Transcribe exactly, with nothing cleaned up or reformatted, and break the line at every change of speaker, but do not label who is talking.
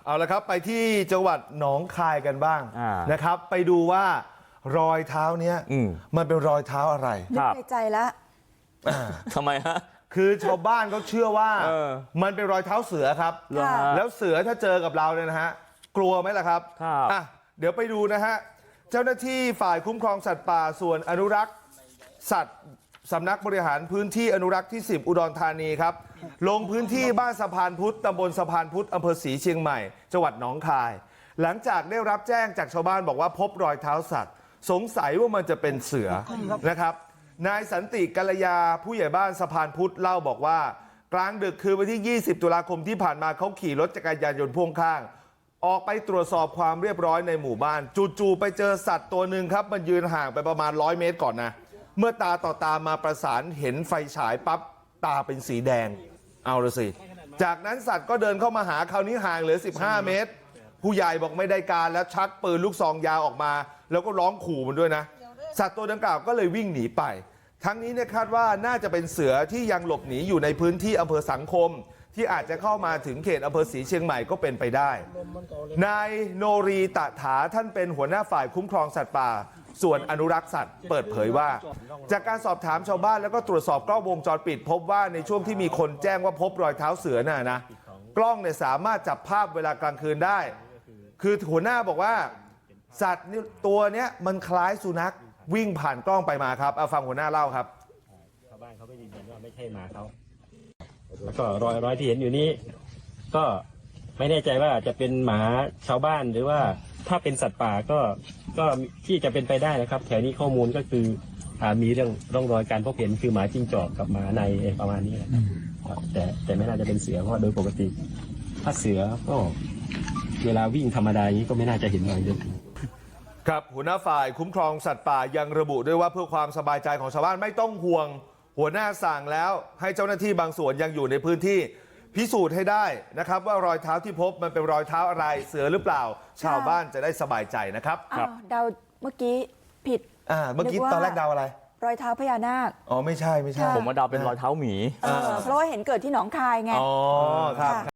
เอาละครับไปที่จังหวัดหนองคายกันบ้างนะครับ ไปดูว่ารอยเท้าเนี้ยมันเป็นรอยเท้าอะไร
นึกในใจแล้ว
ทำไมฮะ
คือชาวบ้านเขาเชื่อว่ามันเป็นรอยเท้าเสือครับแล้วเสือถ้าเจอกับเราเนี่ยนะฮะกลัวไหมล่ะครับอ่ะเดี๋ยวไปดูนะฮะเจ้าหน้าที่ฝ่ายคุ้มครองสัตว์ป่าส่วนอนุรักษ์สัตว์สำนักบริหารพื้นที่อนุรักษ์ที่สิบอุดรธานีครับลงพื้นที่บ้านสะพานพุทธตำบลสะพานพุทธอำเภอศรีเชียงใหม่จังหวัดหนองคายหลังจากได้รับแจ้งจากชาวบ้านบอกว่าพบรอยเท้าสัตว์สงสัยว่ามันจะเป็นเสือนะครับนายสันติกัลยาผู้ใหญ่บ้านสะพานพุทธเล่าบอกว่ากลางดึกคือวันที่ยี่สิบตุลาคมที่ผ่านมาเขาขี่รถจักรยานยนต์พ่วงข้างออกไปตรวจสอบความเรียบร้อยในหมู่บ้านจู่ๆไปเจอสัตว์ตัวหนึ่งครับมันยืนห่างไปประมาณร้อยเมตรก่อนนะเมื่อตาต่อตามาประสานเห็นไฟฉายปั๊บตาเป็นสีแดงเอาละสิจากนั้นสัตว์ก็เดินเข้ามาหาคราวนี้ห่างเหลือสิบห้าเมตรผู้ใหญ่บอกไม่ได้การแล้วชักปืนลูกซองยาวออกมาแล้วก็ร้องขู่มันด้วยนะสัตว์ตัวดังกล่าวก็เลยวิ่งหนีไปทั้งนี้เนี่ยคาดว่าน่าจะเป็นเสือที่ยังหลบหนีอยู่ในพื้นที่อำเภอสังคมที่อาจจะเข้ามาถึงเขตอำเภอศรีเชียงใหม่ก็เป็นไปได้นายโนรีตะถาท่านเป็นหัวหน้าฝ่ายคุ้มครองสัตว์ป่าส่วนอนุรักษ์สัตว์เปิดเผยว่าจากการสอบถามชาวบ้านแล้วก็ตรวจสอบกล้องวงจรปิดพบว่าในช่วงที่มีคนแจ้งว่าพบรอยเท้าเสือน่ะนะกล้องเนี่ยสามารถจับภาพเวลากลางคืนได้คือหัวหน้าบอกว่าสัตว์นี่ตัวเนี้ยมันคล้ายสุนัขวิ่งผ่านกล้องไปมาครับเอาฟังหัวหน้าเล่าครับ
ชาวบ้านเขาไม่ยืนยันว่าไม่ใช่หมาเขาแล้วก็รอยรอยที่เห็นอยู่นี้ก็ไม่แน่ใจว่าจะเป็นหมาชาวบ้านหรือว่าถ้าเป็นสัตว์ป่าก็ก็ที่จะเป็นไปได้นะครับแถวนี้ข้อมูลก็คืออ่ามีเรื่องร่องรอยการพบเห็นคือหมาจิ้งจอกกับหมาในประมาณนี้นะครับแต่แต่ไม่น่าจะเป็นเสือเพราะโดยปกติถ้าเสือก็เวลาวิ่งธรรมดาอย่างนี้ก็ไม่น่าจะเห็นรอยเยอะ
ครับหัวหน้าฝ่ายคุ้มครองสัตว์ป่ายังระบุด้วยว่าเพื่อความสบายใจของชาวบ้านไม่ต้องห่วงหัวหน้าสั่งแล้วให้เจ้าหน้าที่บางส่วนยังอยู่ในพื้นที่พิสูจน์ให้ได้นะครับว่ารอยเท้าที่พบมันเป็นรอยเท้าอะไรเสือหรือเปล่าชาวบ้านจะได้สบายใจนะครับ
ครับเดาเมื่อกี้ผิด
อ่าเมื่อกี้ตอนแรกเดาอะไร
รอยเท้าพญานาค
อ๋อไม่ใช่ไม่ใช่
ผมว่าเดาเป็นรอยเท้าหมี
เพราะว่าเห็นเกิดที่หนองคายไง
อ๋อครับ